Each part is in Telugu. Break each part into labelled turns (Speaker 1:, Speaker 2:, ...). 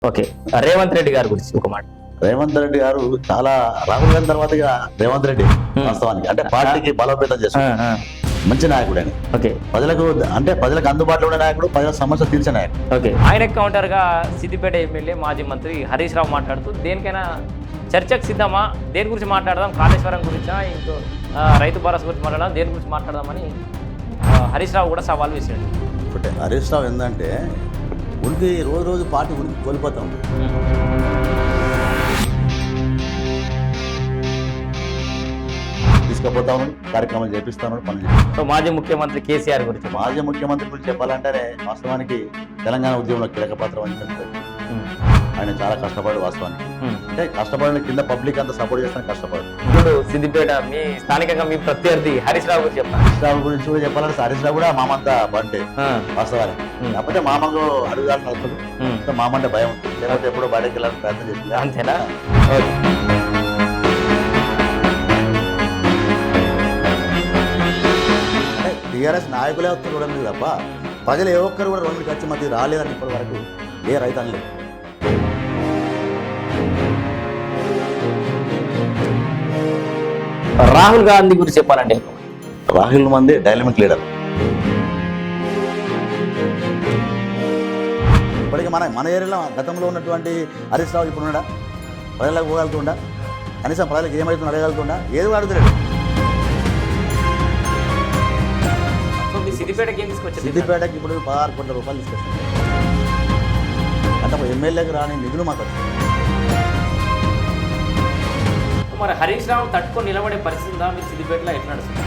Speaker 1: ఓకే. రేవంత్ రెడ్డి గారి గురించి ఒక మాట.
Speaker 2: రేవంత్ రెడ్డి గారు చాలా రాహుల్ గాంధీ తర్వాత ఇక రేవంత్ రెడ్డి వాస్తవానికి అంటే పార్టీకి బలోపేతం చేస్తారు. మంచి నాయకుడు ఆయన.
Speaker 1: ఓకే.
Speaker 2: ప్రజలకు అందుబాటులో ఉండే నాయకుడు, ప్రజల సమస్య తీర్చే నాయకుడు.
Speaker 1: ఓకే. ఆయన కౌంటర్ గా సిద్దిపేట ఎమ్మెల్యే మాజీ మంత్రి హరీష్ రావు మాట్లాడుతూ దేనికైనా చర్చకు సిద్ధమా, దేని గురించి మాట్లాడదాం, కాళేశ్వరం గురించా, ఇంకో రైతు భరోసా గురించి మాట్లాడదాం, దేని గురించి మాట్లాడదామని హరీష్ రావు కూడా సవాల్ వేసాడు.
Speaker 2: ఒకటే హరీష్ రావు ఏంటంటే ఉనికి రోజు రోజు పార్టీ ఉనికి కోల్పోతాం. తీసుకుపోతాను, కార్యక్రమాలు చేపిస్తాను, పనులు చేస్తాను.
Speaker 1: సో మాజీ ముఖ్యమంత్రి కేసీఆర్ గురించి.
Speaker 2: మాజీ ముఖ్యమంత్రి గురించి చెప్పాలంటేనే వాస్తవానికి తెలంగాణ ఉద్యమంలో కీలక పాత్ర వహించారు. ఆయన చాలా కష్టపడు వాస్తవానికి. అంటే కష్టపడిన కింద పబ్లిక్ అంతా సపోర్ట్ చేస్తాను కష్టపడు.
Speaker 1: ఇప్పుడు సిద్దిపేట మీ స్థానికంగా మీ ప్రత్యర్థి హరీష్ రావు గురించి చెప్పాలి.
Speaker 2: హరీష్ రావు గురించి కూడా చెప్పాలంటే హరీష్ రావు కూడా మామంతా బంటే వాస్తవానికి. కాకపోతే మామకు అడుగుదాలని నడుస్తుంది, మామంటే భయం ఉంటుంది. లేకపోతే ఎప్పుడో బయటకు వెళ్ళాలని ప్రయత్నం చేస్తుంది.
Speaker 1: అంతేనా?
Speaker 2: టీఆర్ఎస్ నాయకులే వస్తారు చూడండి తప్ప ప్రజలు ఏ ఒక్కరు కూడా రెండు ఖర్చు మధ్య రాలేదని ఇప్పటి వరకు ఏ రైతు అనలేదు.
Speaker 1: రాహుల్ గాంధీ గురించి చెప్పాలంటే
Speaker 2: రాహుల్ మంది డైనమిక్ లీడర్. ఇప్పటికీ మన ఏరియాలో గతంలో ఉన్నటువంటి హరీష్ రావు ఇప్పుడు ఉన్నాడా? ప్రజలకు పోగలుగుతుండా? కనీసం ప్రజలకు ఏమవుతుందో అడగలుగుతుండా? ఏది కూడా అడుగుతలేడు. సిద్దిపేటకి ఇప్పుడు 16 కోట్ల రూపాయలు తీసుకొచ్చింది. అంటే ఎమ్మెల్యేకి రాని నిధులు మాకు వచ్చాయి.
Speaker 1: మరి హరీష్ రావు తట్టుకొని నిలబడే పరిస్థితి ఉందా మీరు సిద్దిపేటలో? ఎట్లా నడుస్తుంది?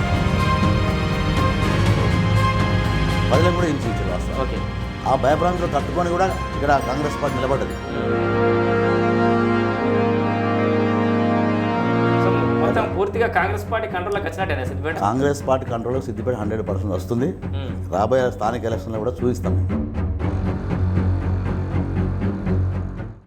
Speaker 2: ప్రజలకు కూడా హింసించారు వాస్తవం.
Speaker 1: ఓకే.
Speaker 2: ఆ భయభ్రాంతులు తట్టుకొని కూడా ఇక్కడ కాంగ్రెస్ పార్టీ నిలబడ్డది.
Speaker 1: మొత్తం పూర్తిగా కాంగ్రెస్ పార్టీ కంట్రోల్లోకి వచ్చినట్టే సిద్దిపేట.
Speaker 2: కాంగ్రెస్ పార్టీ కంట్రోల్లో సిద్దిపేట 100% వస్తుంది. రాబోయే స్థానిక ఎలక్షన్లో కూడా చూపిస్తాం.